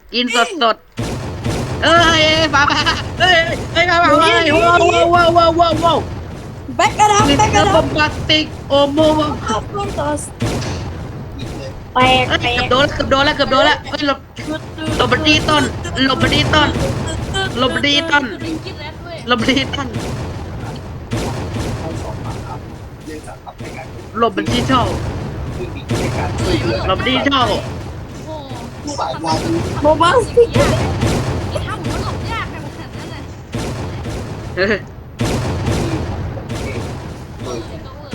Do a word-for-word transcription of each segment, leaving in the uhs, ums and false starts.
กินสดสดเอ้ยฟ้าฟ้าเอ้ยเอ้ยฟ้าฟ้าเอ้ยว้าวว้าวว้าวว้าวว้าวแบ็กกระดับลิตแบ็กกเติ้ระลดับบ อมบาสติกโอโมวอ้าวต้นตอสแตกเอ้ยแตกเกือบโดนแล้วเกือบโดนแล้วเกือบโดนแล้วเอ้ยหลบหลบบันดีต้นหลบบันดีต้นหลบบันดีต้นคือริงกินแรดด้วยหลบบันดีต้นหลบบันดีเช่าหลบบันดีเช่าโอ้โหโมบ้าสิ่งยากไอ้ถ้าผมว่าหลบยากในขนาดนั้นเลยเฮ้ยเออก็เวอร์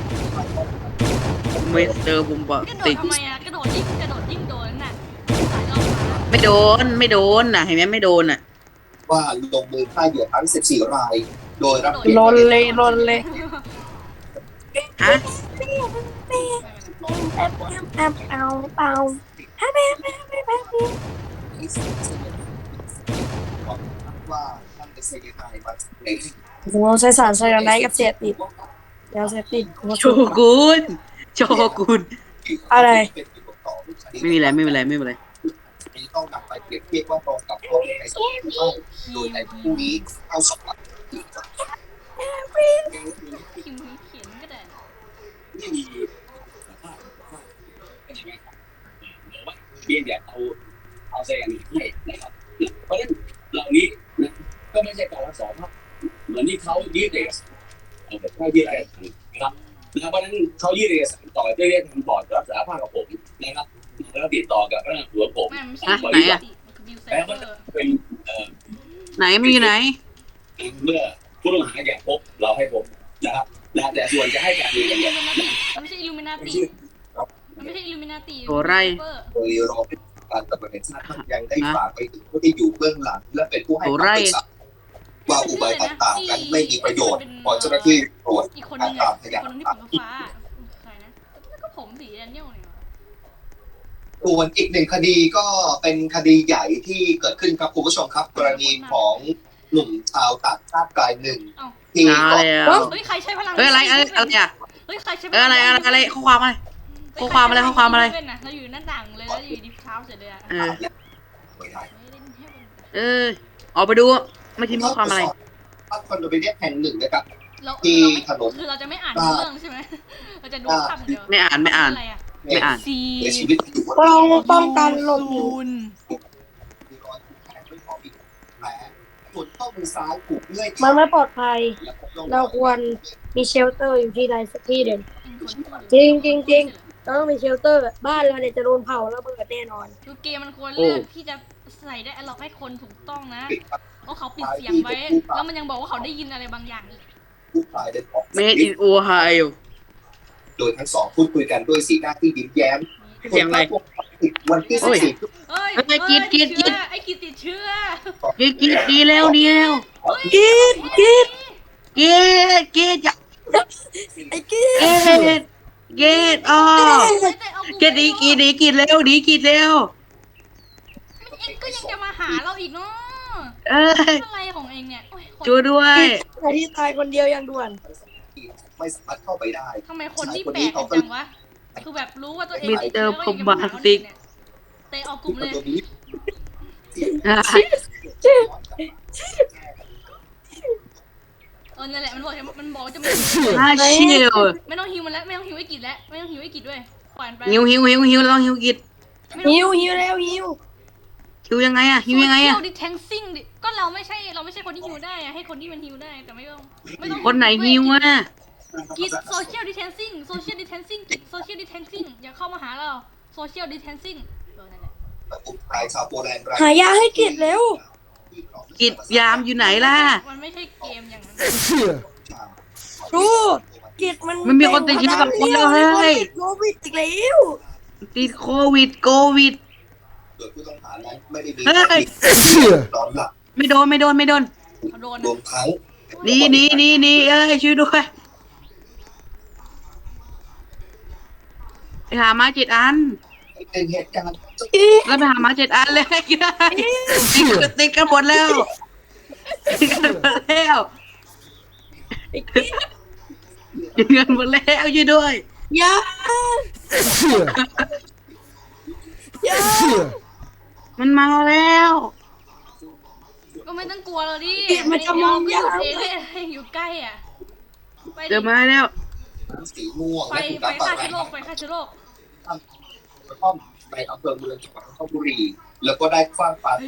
มิสเตอร์บอมบากระสโดติดกทำไมอ่ะกระโดดยิ่งกระโดดยิ่งโดนน่ะสายรอบฟ้าไม่โดนไม่โดนน่ะเห็นไหมไม่โดนน่ะว่าลงมือฆ่าเหยื่อทั้งสิบสี่ราย โดยรับลนเลยลนเลยฮะแอบแอบแอบเอาเอาแอบแอบแอบแอบแอบว่าท่านเป็นเซกายมาจากไหนผมใช้สารไซยาไนด์กับเสพติดยาเสพติดผมโชกุนโชกุนอะไรไม่มีอะไรไม่มีอะไรไม่มีอะไรนี้ต้องนำไปเปรียบเทียบว่าตรงกับข้อมูลในสมุดหรือไม่โดยในผู้นี้เอาสอบหลักพิมพ์เขียนก็ได้ไม่มีเบียนแบบเอาเอาแซงให้นะครับเพราะฉะนั้นเหล่านี้นะก็ไม่ใช่การรักษาภาพเหมือนที่เขายืดเอกสารเอาแบบให้ยืดเอกสารนะครับเพราะฉะนั้นเขายืดเอกสารต่อจะเรียกทางบอร์ดรับสารภาพกับผมนะครับแล้วติดต่อกับพนักงานหัวผมไม่ไม่ใช่อ่ะไหนอ่ะบิวไซแล้วเบก็อร์เป็นเอ่อไหนมีอยู่ไหนเมื่อผู้ต้องหาอยากพบเราให้พบนะครับแล้วแต่ส่วนจะให้การยืนยันมันไม่ใช่อิลูมินาติมันไม่ใช่อิลูมินาติโอ้ไรโดยรอเป็นการตำรวจแห่งชาติยังได้ฝากไปถึงผู้ที่อยู่เบื้องหลัง และเป็นผู้ให้คำปรึกษาว่าอุบายต่างๆนั้นไม่มีประโยชน์พอเจ้าหน้าที่ตรวจอีกคนกานึรง ตาอ่ะมพอีกยานคนนึงหลัที่กผมฐานฟ้าใครนะแล้วก็ผมสีแดนเนียลเนี่ยส่วนอีกหนึ่งคดีก็เป็นคดีใหญ่ที่เกิดขึ้นครับคุณผู้ชมครับ กรณีของหนุ่มชาวต่างชาติรายหนึ่งที่มาก่อแล้วเฮ้ยใครใช้พลังเฮ้ยอะไรอะไรอะไรอ่ะเฮ้ยใครใช้เอ้ยอะไรอะไรอะไรข้อความอะไร ข้อความอะไรข้อความอะไรเราอยู่หน้าต่างเลยแล้วอยู่ดีเท้าเสร็จเลยอ่ะเออไม่ได้เออออกไปดูไม่ทิ้งข้อความอะไรคอนโดมิเนียมแห่งหนึ่งนะครับเราที่ถนนคือเราจะไม่อ่านเรื่องใช่ไหมเราจะดูภาพเดียวไม่อ่านไม่อ่านอะไรอ่ะไม่อ่านซีเสียชีวิตอยู่บนป้องป้องกันหลบหนีนมีรอยถูกแทงด้วยของอีกแผลส่วนข้อมือซ้ายถูกเลื่อยมันไม่ปลอดภัยและพบร่องเราควรมีเชลเตอร์อยู่ที่ใดสักที่เด่นจริงจริงจริงเราต้องมีเชลเตอร์บ้านเราเนี่ยจะโดนเผาแล้วเบิดแน่นอนคือเกมมันควรเลือกที่จะใส่ได้ล็อกให้คนถูกต้องนะเพราะเขาปิดเสียงไว้ แล้วมันยังบอกว่าเขาได้ยินอะไรบางอย่างอีกผู้ตายได้ออกเมดอินโอไฮโอโดยทั้งสองพูดคุยกันด้วยสีหน้าที่ยิ้มแย้มเสียงอะไรวันที่สิบสี่เอ้ยเอ้ยกินกินกินไอ้กินติดเชื้อกีดกีดดีแล้วดีแล้วกินกินกีดกีดจะไอ้กินกีดกีดอ๋อกีดดีกีดดีกีดเร็วดีกีดเร็วเอ็งก็ยังจะมาหาเราอีกเนาะเอ้ยอะไรของเอ็งเนี่ยโอ้ยคนช่วยด้วยไอ้ที่ตายคนเดียวยังด่วนไม่สามารถเข้าไปได้ทำไมคนที่แปลกกันจังวะคือแบบรู้ว่าตัวเองมิสติดเตอเชื้อร์ก็พยังมจะบามาหาสติกเตะออกกลุ่มเลยตัวนี้เออนั่นแหละมันบอกมันบอกจะไม่น่าเชี่ยวไม่ต้องฮิวมันแล้วไม่ต้องฮิวไอ้กิจแล้วไม่ต้องฮิวไอ้กิจด้วยปล่อยมันไปหิวหิวหิวหิวลองหิวกิดหิวหิวแล้วหิวหิวยังไงอะหิวยังไงอะโซเชียลดิแทงซิ่งดิก็เราไม่ใช่เราไม่ใช่คนที่ฮิวได้อะให้คนที่มันฮิวได้แต่ไม่ต้องไม่ต้องคนไหนหิวอะกิจโซเชียลดิแทนซิ่งโซเชียลดิแทนซิ่งกิจโซเชียลดิแทนซิ่งอย่าเข้ามาหาเราโซเชียลดิแทนซิ่งเออนั่นแหละกลุ่มชายชาวโปแลนด์รายหายาให้กินเร็วกิดยามอยู่ไหนล่ะมันไม่ใช่เกมอย่างนั้นดูกิดมันมันมีคนติดเชื้อกับคนแล้วเฮ้ยโควิดอีกแล้วติดโควิดโควิดโดยผู้ต้องหานั้นไม่ได้มีเฮ้ยนอนหลับไม่โดนไม่โดนไม่โดนเขาโดนรวมทั้งหนี่นี่นี่นี่เอ้ยช่วยด้วยไปหามาเจ็ดอันเป็นเหตุการณ์แล้วไปหามาเจ็ดอันเลยติดติดกันหมดแล้วติดกันหมดแล้วติดกันหมดแล้วช่วยด้วยยา ยามันมาแล้วก็ไม่ต้องกลัวเลยดิมันจะมองเดี๋ยายววเองเองอยู่ใกล้อ่ะไปเจอมาแล้วสีม่วงไปและคุณไปตาฆ่าปาเชื้อโรคไปฆ่าเชื้อโรคกระท่อมในอำเภอเมืองจังหวัดนนทบุรีแล้วก็ได้คว้างปาใส่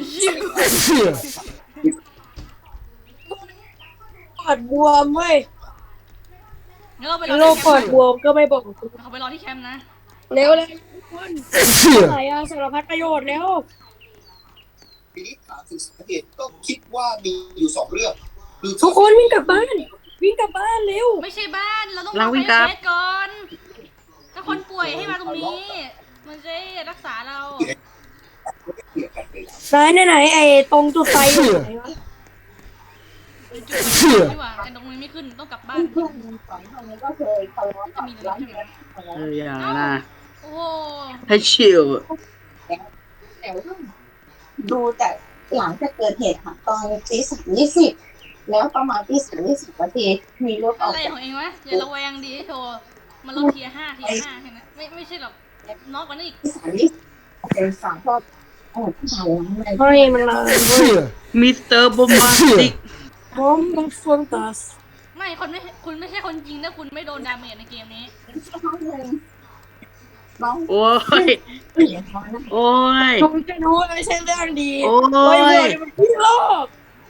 ปอดบวมเว้ยงั้นเราไปรอโรคที่ปอดแคมบวมก็ไม่บอกป์เขาไปรอที่แคมป์นะเร็วเลยทุกคนไหนอะสารพัดประโยชน์แล้วทีนี้ถามถึงสาเหตุก็คิดว่ามีอยู่สองเรื่องคือทุกคนวิ่งกลับบ้าน วิ่งกลับบ้านเร็วไม่ใช่บ้านเราต้องเราวิ่งไปกลับเทสก่อนถ้าคนป่วยให้มาตรงนี้ มันจะได้รักษาเราเกี่ยวกันเลยไหนไหนไหนไอ้ตรงจุดไฟอยู่ไหนวะไปจุดไฟดีกว่าแต่ตรงนี้ไม่ขึ้นต้องกลับบ้านเพื่อนๆสองคนนี้ก็เคยทะเลาะจะกับมีเลยร้านใช่ไหมเอออย่านะโอ้โหให้ชิลแต่ว่าดูแต่หลังจากเกิดเหตุค่ะตอนตีสามยี่สิบแล้วประมาณตีสามยี่สิบนาทีมีรถออะอกไรจากของเองวะอย่าระแวงดีโชว์มันลดเทียร์ห้าเทียร์ห้าแค่นั้นไม่ไม่ใช่หรอกน็อกกว่านั้นอีกตีสามยี่สิบเป็นฝั่งพอเออผู้ชายหลังในเฮ้ยมันมาเว้ยมิสเตอร์บอมบาสติกบอมบัฟฟอนตัสไม่คนไม่คุณไม่ใช่คนจริงถ้าคุณไม่โดนดาเมจในเกมนี้ห้องหนึ่งน้องโอ้ยเปลี่ยนท้องนะโอ้ยผมจะรู้ว่าไม่ใช่เรื่องดีโอ้เฮ้ยยเดี๋ยวมันพี่โลก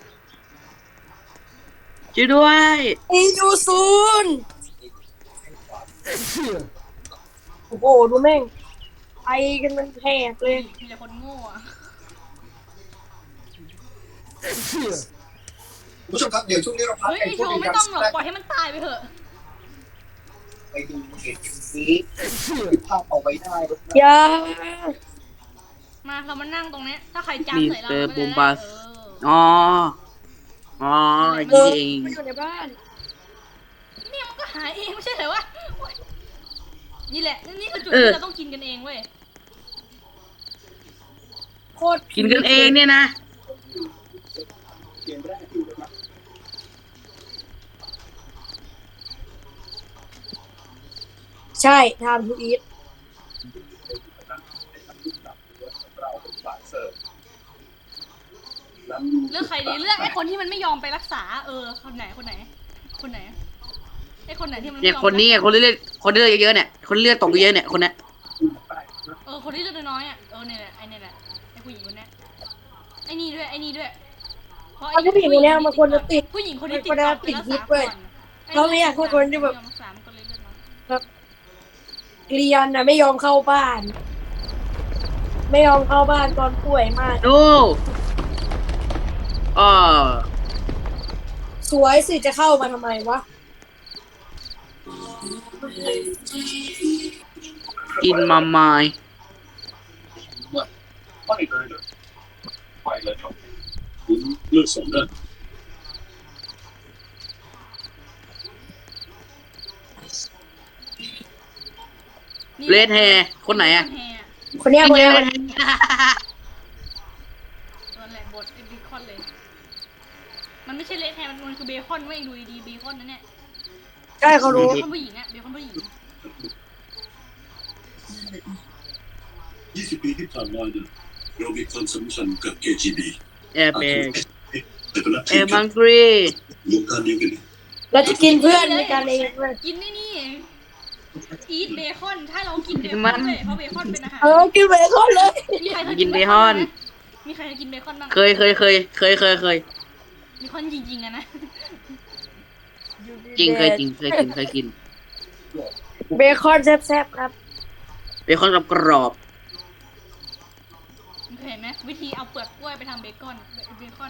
ช่วยด้วยอียูซูนโอ้โหดูแม่งไอกันมันแผลกเลยมีแต่คนโง่อะคุณผู้ชมครับเดี๋ยวช่วงนี้เราพักเฮ้ยไปไอพูโชดว์คุไม่ยกันต้องหรอกสักปล่อยให้มันตายไปเถอะไปดูเหตุการณ์นี้ภาพเอาไว้ได้อย่ามาเรามานั่งตรงเนี้ยถ้าใครจำใส่เรามิสเตอร์ก็จะบูมได้บัสเอออ๋อ อ๋อเอนี่อเองมันอยู่ในบ้านเนี่ยมันก็หายเองไม่ใช่เหรอวะโอ๊ยนี่แหละนี่คือจุดเออที่เราต้องกินกันเองเว้ยโคตรกินกันเองเนี่ยนะเกมแรกอยู่นะครับใช่ทำทูอีทเราเป็นฝ่ายเสิร์ฟเลือกใครดีเลือกไอ้คนที่มันไม่ยอมไปรักษา เออคนไหนคนไหน คนไหนไอ้คนไหนที่มันไม่เนี่ยยอมคนนี้ไงคนเลือดคนเลือดเยอะๆเนี่ย คนเลือดตกเยอะเนี่ย คนเนี้ยเออคนที่เลือดน้อยๆอ่ะเออเนี่ยแหละไอ้เนี่ยแหละไอ้ผู้หญิงคนเนี้ยไอ้นี่ด้วยไอ้นี่ด้วยเพราะเอาผู้หญิงคนเนี้ยมันควรจะติดผู้หญิงคนที่ติดมันควรจะก่อนไปติดรักยึษาดก่เว้อย นเขาไม่อยากให้คนที่แบบไม่ยอมรักษามันก็เลยเลือดน้อยเรียนนะไม่ยอมเข้าบ้าน ไม่ยอมเข้าบ้านตอนป่วยมากดูอ๋อสวยสิจะเข้ามาทำไมวะกินมาไม้ไม่เลยเลยไปเลยครับคุณเลือกสมเด็จนี่เลดแฮร์คนไหนอะเรดแฮร์คนเนี้ยคนเนี้ยเลดแฮร์ตัวแหลกบดไอ้เบคอนเลย มันไม่ใช่เลดแฮร์มันมันคือเบคอนเว้ยดูดีๆเบคอนนั่นเนี่ยใช่เขารู้เบคอนผู้หญิงอะเบคอนผู้หญิงยี่สิบปีที่ผ่านมาเนี่ยเรามีความสัมพันธ์กับ เค จี บีแอร์เบกแต่ก็ละแอร์บังกรีวงการเดียวกันเราจะกินเพื่อนในการเองเว้ยกินนี่นี่อีทเบคอนถ้าเรากินเบคอนเว้ยเพราะเบคอนเป็นอาหารเออกินเบคอนเลยมีใครเคยกินเบคอนไหมมีใครเคยกินเบคอนบ้างเคยเคยเคยเคยเคยเคยเบคอนจริงๆอะนะจริงเคยกินเคยกินเคยกินเบคอนแซ่บๆครับเบคอนกับกรอบเคยเห็นไหมวิธีเอาเปลือกกล้วยไปทำเบคอนเบคอน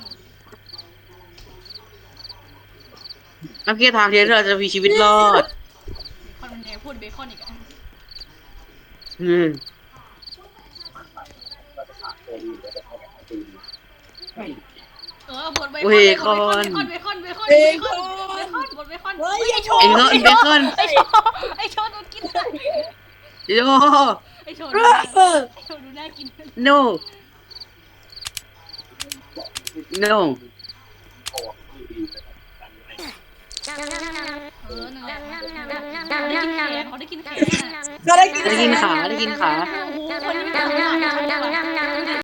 น้ำเคี่ยวทางเทียนเราจะมีชีวิตรอดเบคอนมันแดงพูดเบคอนอีกอะอืมเออบดเบคอนเลยบดเบคอนเบคอนเบคอนเบคอนเบคอนบดเบคอนเฮ้ยไอ้โชเอ็งว์ก็เบคอนไอ้โชว์ไอ้โชว์โดนกินเลยโยไอ้โชว์เอดูอน่าเออโชว์ดูน่ากิน no no เออนั่นแหละได้กินแขนเขาได้กินแขนอะก็ได้กินได้กินขาได้กินขาโอ้โหคนนี้ไม่ทำอะไร